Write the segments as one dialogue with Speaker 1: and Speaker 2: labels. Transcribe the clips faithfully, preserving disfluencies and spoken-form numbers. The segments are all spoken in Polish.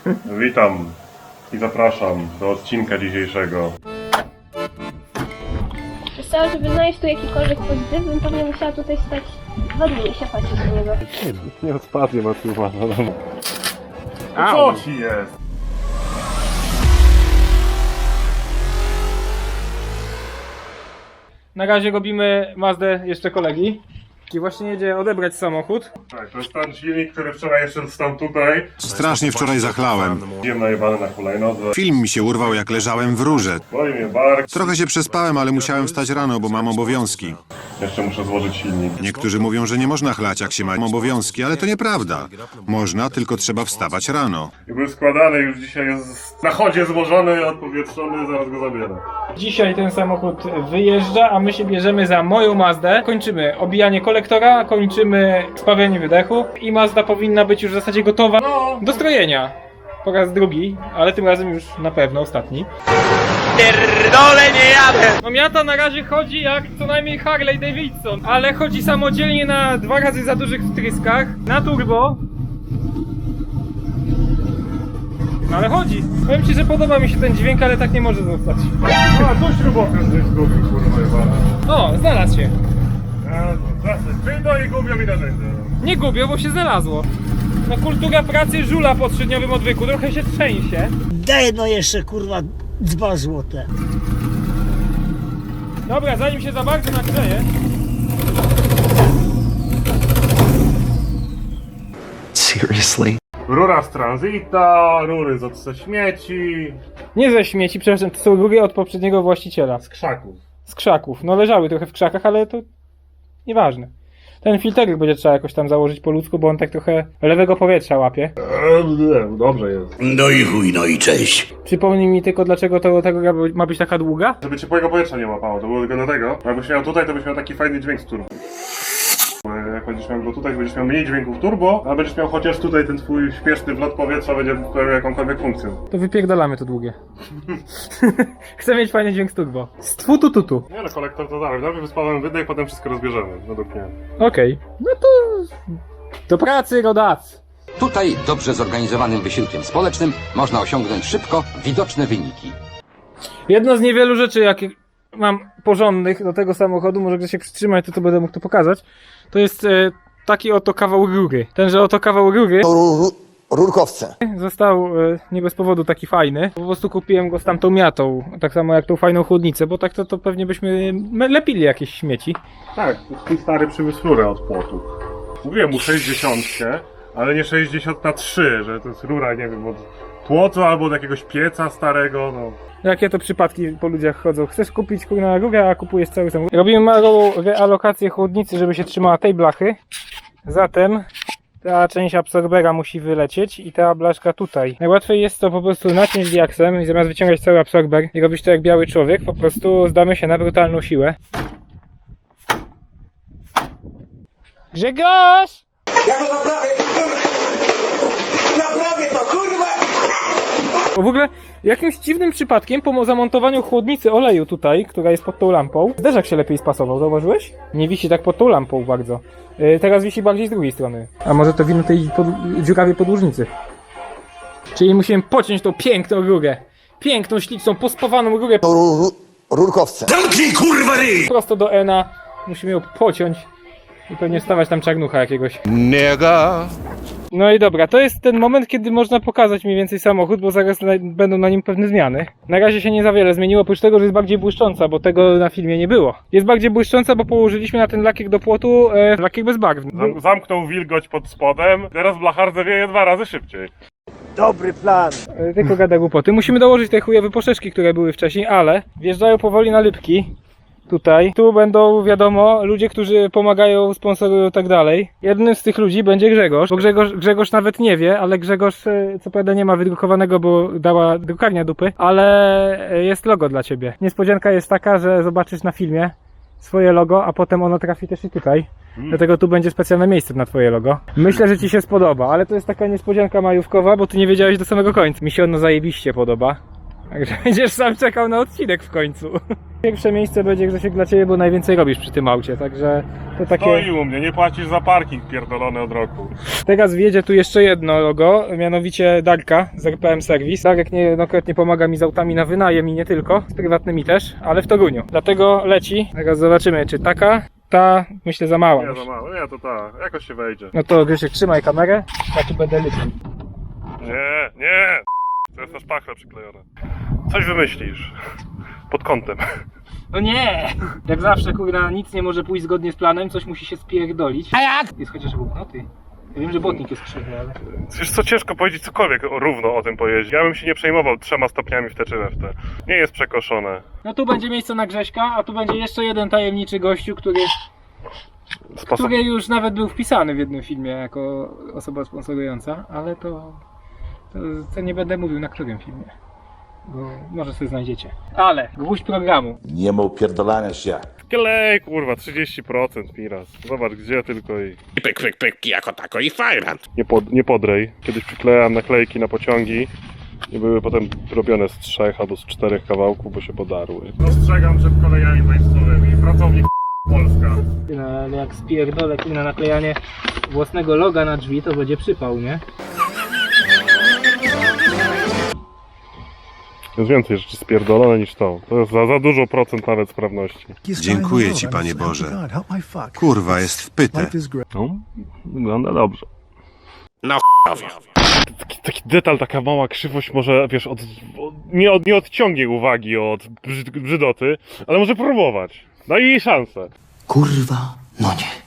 Speaker 1: Witam i zapraszam do odcinka dzisiejszego.
Speaker 2: Myślałam, żeby znaleźć tu jakikolwiek pozytyw, bym pewnie musiała tutaj stać dwa dni i się patrzeć do niego.
Speaker 1: Nie odpadnie, bo tu ma na domu. Co ci jest?
Speaker 3: Na razie robimy Mazdę jeszcze kolegi. I właśnie jedzie odebrać samochód.
Speaker 1: Tak, to jest ten silnik, który wczoraj jeszcze stał tutaj.
Speaker 4: Strasznie wczoraj zachlałem.
Speaker 1: Byłem najebany na hulajnodze.
Speaker 4: Film mi się urwał, jak leżałem w rurze.
Speaker 1: Boli mnie bark.
Speaker 4: Trochę się przespałem, ale musiałem wstać rano, bo mam obowiązki.
Speaker 1: Jeszcze muszę złożyć silnik.
Speaker 4: Niektórzy mówią, że nie można chlać, jak się ma obowiązki, ale to nieprawda. Można, tylko trzeba wstawać rano.
Speaker 1: I był składany, już dzisiaj jest na chodzie złożony, odpowietrzony, zaraz go zabierę.
Speaker 3: Dzisiaj ten samochód wyjeżdża, a my się bierzemy za moją Mazdę. Kończymy obijanie kolektora, kończymy spawianie wydechu i Mazda powinna być już w zasadzie gotowa do strojenia. Po raz drugi, ale tym razem już na pewno ostatni. Pierdolę, nie jadę! No Miata na razie chodzi jak co najmniej Harley Davidson, ale chodzi samodzielnie na dwa razy za dużych wtryskach, na turbo. No ale chodzi. Powiem ci, że podoba mi się ten dźwięk, ale tak nie może zostać.
Speaker 1: A, tu śrubokręt gdzieś zgubił, kurwa jebana.
Speaker 3: O, znalazł się.
Speaker 1: Ty to i gubią mi narzędzia.
Speaker 3: Nie gubię, bo się znalazło. No kultura pracy żula po trzydniowym odwyku, trochę się trzęsie.
Speaker 5: Daj no jeszcze kurwa dwa złote.
Speaker 3: Dobra, zanim się za bardzo nagrzeje.
Speaker 6: Seriously?
Speaker 1: Rura z tranzyta, rury z odse śmieci,
Speaker 3: Nie ze śmieci, przepraszam, to są rury od poprzedniego właściciela.
Speaker 1: z krzaków.
Speaker 3: Z krzaków. No leżały trochę w krzakach, ale to nieważne. Ten filterek będzie trzeba jakoś tam założyć po ludzku, bo on tak trochę lewego powietrza łapie.
Speaker 1: Eee, dobrze jest.
Speaker 6: No i chuj, no i cześć.
Speaker 3: Przypomnij mi tylko, dlaczego to, ta rura ma być taka długa?
Speaker 1: Żeby ciepłego powietrza nie łapało, to było tylko dlatego. Jakbyś miał tutaj, to byś miał taki fajny dźwięk z turbo. Jak będziesz miał go tutaj, to będziesz miał mniej dźwięków turbo, a będziesz miał chociaż tutaj ten twój śpieszny wlot powietrza będzie pełnił jakąkolwiek funkcję.
Speaker 3: To wypierdalamy to długie. Chcę mieć fajny dźwięk z turbo. Z tfu tu tu tu.
Speaker 1: Nie no, kolektor to dalej. Najpierw wyspawamy wydech, potem wszystko rozbierzemy, według mnie.
Speaker 3: Okej. No to... do pracy, rodacy.
Speaker 7: Tutaj dobrze zorganizowanym wysiłkiem społecznym można osiągnąć szybko widoczne wyniki.
Speaker 3: Jedno z niewielu rzeczy, jakie mam porządnych do tego samochodu, może gdzieś się przytrzymać, to to będę mógł to pokazać, to jest e, taki oto kawał rury. Tenże oto kawał rury
Speaker 5: Rurkowce.
Speaker 3: został e, nie bez powodu taki fajny. Po prostu kupiłem go z tamtą miatą, tak samo jak tą fajną chłodnicę, bo tak to, to pewnie byśmy me- lepili jakieś śmieci.
Speaker 1: Tak, twój stary przywiózł rurę od płotu. Mówiłem mu sześćdziesiąt, ale nie sześćdziesiąt na trzy, że to jest rura, nie wiem, od płotu albo od jakiegoś pieca starego, no.
Speaker 3: Jakie to przypadki po ludziach chodzą? Chcesz kupić kurna rurę, a kupujesz cały samochód. Robimy małą realokację chłodnicy, żeby się trzymała tej blachy. Zatem ta część absorbera musi wylecieć i ta blaszka tutaj. Najłatwiej jest to po prostu naciąć diaksem i zamiast wyciągać cały absorber i robić to jak biały człowiek, po prostu zdamy się na brutalną siłę. Grzegorz!
Speaker 5: Ja to naprawię! Naprawię to kurwa!
Speaker 3: Bo w ogóle jakimś dziwnym przypadkiem po zamontowaniu chłodnicy oleju tutaj, która jest pod tą lampą, zderzak się lepiej spasował, zauważyłeś? Nie wisi tak pod tą lampą bardzo. Yy, teraz wisi bardziej z drugiej strony. A może to wino tej pod dziurawej podłużnicy. Czyli musimy pociąć tą piękną rurę. Piękną, śliczną, pospawaną rurę
Speaker 5: Rurkowce.
Speaker 6: Zamknij kurwa ryj!
Speaker 3: prosto do Ena. Musimy ją pociąć i pewnie wstawać tam czarnucha jakiegoś.
Speaker 6: Nega.
Speaker 3: No i dobra, to jest ten moment, kiedy można pokazać mniej więcej samochód, bo zaraz na, będą na nim pewne zmiany. Na razie się nie za wiele zmieniło, oprócz tego, że jest bardziej błyszcząca, bo tego na filmie nie było. Jest bardziej błyszcząca, bo położyliśmy na ten lakier do płotu e, lakier bezbarwny.
Speaker 1: Zam zamknął wilgoć pod spodem, teraz blachardze wieje dwa razy szybciej.
Speaker 5: Dobry plan.
Speaker 3: E, tylko gada głupoty. Musimy dołożyć te chujowe poszeszki, które były wcześniej, ale wjeżdżają powoli na lipki. Tutaj. Tu będą, wiadomo, ludzie, którzy pomagają, sponsorują i tak dalej. Jednym z tych ludzi będzie Grzegorz, bo Grzegorz, Grzegorz nawet nie wie, ale Grzegorz, co prawda nie ma wydrukowanego, bo dała drukarnia dupy, ale jest logo dla ciebie. Niespodzianka jest taka, że zobaczysz na filmie swoje logo, a potem ono trafi też i tutaj. Mm. Dlatego tu będzie specjalne miejsce na twoje logo. Myślę, że ci się spodoba, ale to jest taka niespodzianka majówkowa, bo ty nie wiedziałeś do samego końca. Mi się ono zajebiście podoba. Także będziesz sam czekał na odcinek w końcu. Pierwsze miejsce będzie, Grzesiek, dla ciebie, bo najwięcej robisz przy tym aucie, także to takie...
Speaker 1: Stoi u mnie, nie płacisz za parking pierdolony od roku.
Speaker 3: Teraz wjedzie tu jeszcze jedno logo, mianowicie Darka z R P M Service. Darek niejednokrotnie pomaga mi z autami na wynajem i nie tylko, z prywatnymi też, ale w Toruniu. Dlatego leci, teraz zobaczymy, czy taka, ta, myślę, za mała.
Speaker 1: Nie za mało, nie to tak, jakoś się wejdzie.
Speaker 3: No to Grzesiek, trzymaj kamerę, ja tu będę leciał.
Speaker 1: Nie, nie! To jest na szpachle przyklejone. Coś wymyślisz. Pod kątem.
Speaker 3: No nie! Jak zawsze, kurna, nic nie może pójść zgodnie z planem, coś musi się spierdolić. A jak? Jest chociaż buchnoty. Ja wiem, że błotnik jest krzywny, ale...
Speaker 1: Wiesz co, ciężko powiedzieć cokolwiek o- równo o tym pojeździe. Ja bym się nie przejmował trzema stopniami w te czy we w te. Nie jest przekoszone.
Speaker 3: No tu będzie miejsce na Grześka, a tu będzie jeszcze jeden tajemniczy gościu, który,
Speaker 1: Sposób...
Speaker 3: który już nawet był wpisany w jednym filmie jako osoba sponsorująca, ale to, to, to nie będę mówił na którym filmie, bo może sobie znajdziecie. Ale gwóźdź programu.
Speaker 5: Nie ma upierdolania się.
Speaker 1: Klej, kurwa, trzydzieści procent Miraz. Zobacz gdzie tylko i...
Speaker 6: I pyk, pyk, pyk, jako tako i fajrant.
Speaker 1: Nie, pod, nie podrej. Kiedyś przyklejałem naklejki na pociągi i były potem robione z trzech albo z czterech kawałków, bo się podarły. Dostrzegam przed kolejami państwowymi. Pracownik Polska.
Speaker 3: No, ale jak spierdolę na naklejanie własnego loga na drzwi, to będzie przypał, nie?
Speaker 1: Jest więcej rzeczy spierdolone niż to. To jest za, za dużo procent nawet sprawności.
Speaker 4: Dziękuję ci, Panie Boże. Kurwa, jest wpyte.
Speaker 1: No, wygląda dobrze.
Speaker 6: No ch**owie.
Speaker 1: Taki, taki detal, taka mała krzywość może, wiesz, od, od, nie, od, nie odciągnie uwagi od brzyd, brzydoty, ale może próbować. Daj jej szansę.
Speaker 8: Kurwa, no nie.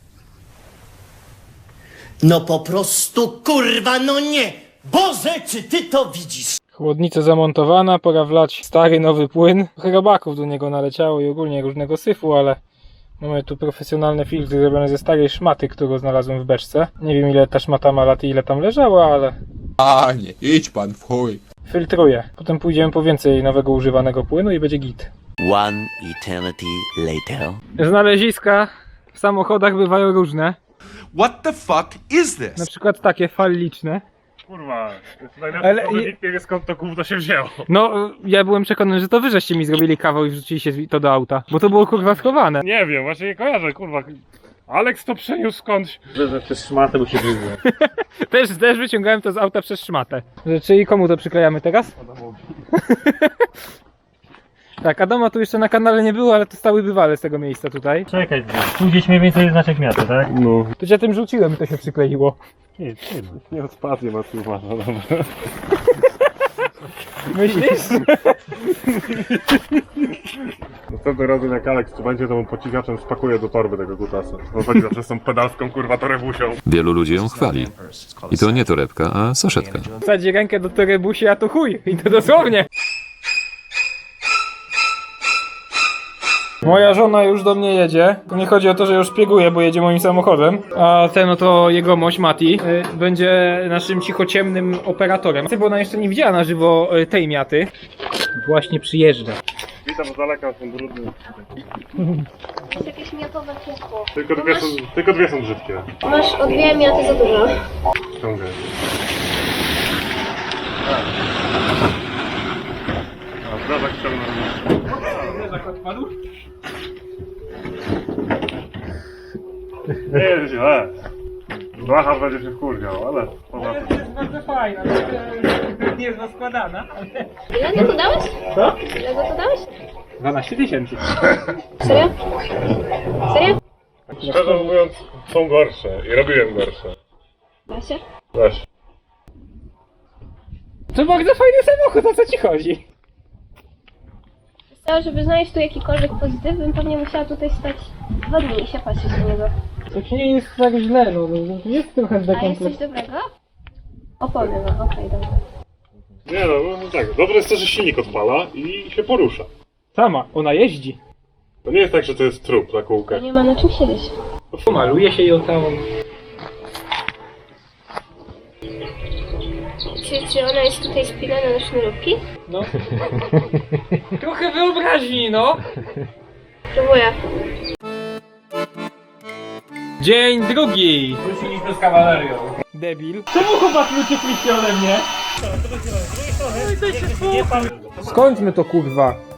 Speaker 8: No po prostu kurwa, no nie! Boże, czy ty to widzisz?
Speaker 3: Chłodnica zamontowana, pora wlać stary, nowy płyn. Trochę robaków do niego naleciało i ogólnie różnego syfu, ale mamy tu profesjonalne filtry zrobione ze starej szmaty, którą znalazłem w beczce. Nie wiem ile ta szmata ma lat i ile tam leżała, ale...
Speaker 6: A nie, idź pan w chuj.
Speaker 3: Filtruję. Potem pójdziemy po więcej nowego używanego płynu i będzie git.
Speaker 8: One eternity later.
Speaker 3: Znaleziska w samochodach bywają różne.
Speaker 6: What the fuck is
Speaker 3: Na
Speaker 6: this?
Speaker 3: przykład takie falliczne.
Speaker 1: Kurwa, jest najlepsze,
Speaker 3: Ale-
Speaker 1: ale nikt nie wie skąd to gówno się wzięło.
Speaker 3: No, ja byłem przekonany, że to wy żeście mi zrobili kawał i wrzuciliście to do auta. Bo to było kurwa schowane.
Speaker 1: Nie wiem, właśnie nie kojarzę, kurwa. Alex to przeniósł skądś.
Speaker 9: Przez szmatę, bo się wyzwę.
Speaker 3: Też, też wyciągałem to z auta przez szmatę. Czyli komu to przyklejamy teraz? Tak, Adama tu jeszcze na kanale nie było, ale to stały bywale z tego miejsca tutaj.
Speaker 9: Czekaj, tu gdzieś mniej więcej znaczek miasta, tak?
Speaker 1: No.
Speaker 3: To cię tym rzuciłem i to się przykleiło.
Speaker 1: Nie, nie, nie odpadnie ma tu ma, no dobra.
Speaker 3: Myślisz?
Speaker 1: Następnym razem jak Alex tu będzie, to mu pociskaczem spakuję do torby tego kutasa. On chodzi zawsze z tą pedalską kurwa torebusią.
Speaker 10: Wielu ludzi ją chwali. I to nie torebka, a saszetka.
Speaker 3: Wsadzi rękę do torebusi, a to chuj. I to dosłownie. Moja żona już do mnie jedzie. To nie chodzi o to, że już szpieguje, bo jedzie moim samochodem. A ten oto jegomość, Mati, y, będzie naszym cichociemnym operatorem. Bo ona jeszcze nie widziała na żywo y, tej miaty. Właśnie przyjeżdża.
Speaker 1: Witam z daleka, są brudne.
Speaker 2: Jest jakieś miatowe piekło.
Speaker 1: Tylko dwie są, tylko dwie są brzydkie.
Speaker 2: Masz o dwie miaty za dużo.
Speaker 1: Ściągaj. A, teraz ściągnę. Nie jest źle. Blachar będzie się wkurwiał, ale poza tym.
Speaker 3: Bardzo fajna, nie jest składana.
Speaker 2: Ile go to dałeś?
Speaker 3: Co?
Speaker 2: Ile go to dałeś?
Speaker 3: dwanaście tysięcy.
Speaker 2: Serio? Serio?
Speaker 1: Szczerze mówiąc, są gorsze i robiłem gorsze.
Speaker 2: Da się?
Speaker 1: Weź.
Speaker 3: To bardzo fajny samochód, o co ci chodzi?
Speaker 2: Chciała, żeby znaleźć tu jakikolwiek pozytyw, bym pewnie musiała tutaj stać dwa dni i się patrzeć na niego.
Speaker 3: To nie jest tak źle, no, no jest trochę
Speaker 2: A jest coś
Speaker 3: dekompleks.
Speaker 2: dobrego? Opony, no okej, dobra.
Speaker 1: Nie no, no tak. Dobre jest to, że silnik odpala i się porusza.
Speaker 3: Sama, ona jeździ.
Speaker 1: To nie jest tak, że to jest trup na kółkach.
Speaker 2: Nie ma na czym siedzieć.
Speaker 3: Pomaluje się ją całą.
Speaker 2: Czy, czy ona jest tutaj spinana na sznurówki?
Speaker 3: No. Trochę wyobraźni, no.
Speaker 2: Próbuję.
Speaker 3: Dzień drugi. Wróciliśmy z kawalerią. Debil. Czemu chłopak uciekliście ode mnie? No i to się Skończmy to kurwa.